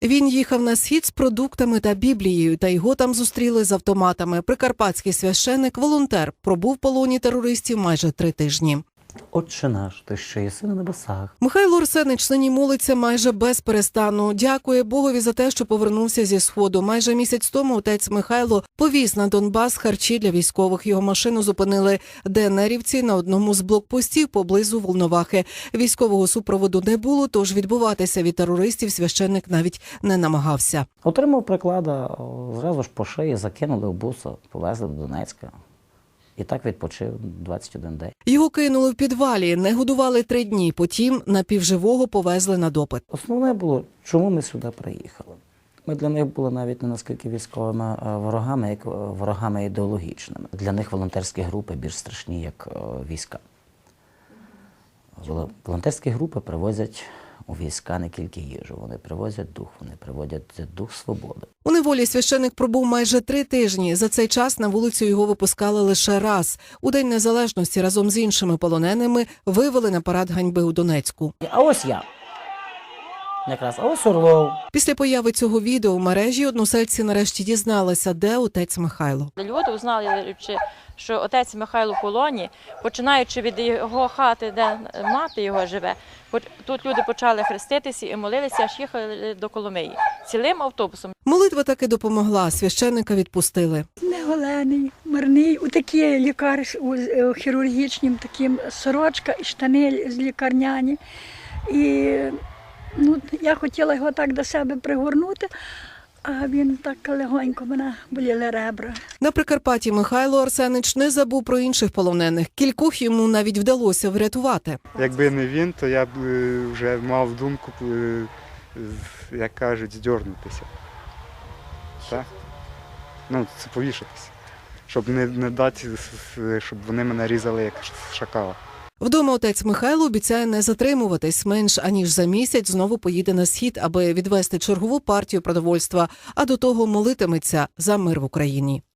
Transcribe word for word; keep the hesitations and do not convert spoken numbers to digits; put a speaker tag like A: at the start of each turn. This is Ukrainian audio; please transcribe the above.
A: Він їхав на схід з продуктами та Біблією, та його там зустріли з автоматами. Прикарпатський священик, волонтер, пробув в полоні терористів майже три тижні.
B: Отче наш, ти що єси на небесах.
A: Михайло Арсенич нині молиться майже без перестану. Дякує Богові за те, що повернувся зі Сходу. Майже місяць тому отець Михайло повіз на Донбас харчі для військових. Його машину зупинили ДНРівці на одному з блокпостів поблизу Волновахи. Військового супроводу не було, тож відбуватися від терористів священник навіть не намагався.
B: Отримав приклада, зразу ж по шиї закинули в буса, повезли до Донецька. І так відпочив двадцять один день.
A: Його кинули в підвалі, не годували три дні, потім напівживого повезли на допит.
B: Основне було, чому ми сюди приїхали. Ми для них були навіть не наскільки військовими ворогами, як ворогами ідеологічними. Для них волонтерські групи більш страшні, як війська. Волонтерські групи привозять у війська не тільки їжу, вони привозять дух, вони приводять дух свободи.
A: У неволі священик пробув майже три тижні. За цей час на вулицю його випускали лише раз. У День Незалежності разом з іншими полоненими вивели на парад ганьби у Донецьку.
B: А ось я. Якраз, а ось Орлов.
A: Після появи цього відео в мережі односельці нарешті дізналися, де отець Михайло.
C: Люди узнали, що отець Михайло в полоні, починаючи від його хати, де мати його живе. Тут люди почали хреститися і молилися, аж їхали до Коломиї. Цілим автобусом.
A: Молитва таки допомогла, священника відпустили.
D: Неголений, марний, у такі лікар, у хірургічнім таким сорочка і штани з лікарняні. І ну, я хотіла його так до себе пригорнути, а він так легонько, мене боліли ребра.
A: На Прикарпатті Михайло Арсенич не забув про інших полонених. Кількох йому навіть вдалося врятувати.
E: Якби не він, то я б вже мав думку, як кажуть, здьорнутися. Так? Ну, це повішатися. Щоб не, не дати, щоб вони мене різали як шакала.
A: Вдома отець Михайло обіцяє не затримуватись. Менш аніж за місяць знову поїде на схід, аби відвести чергову партію продовольства, а до того молитиметься за мир в Україні.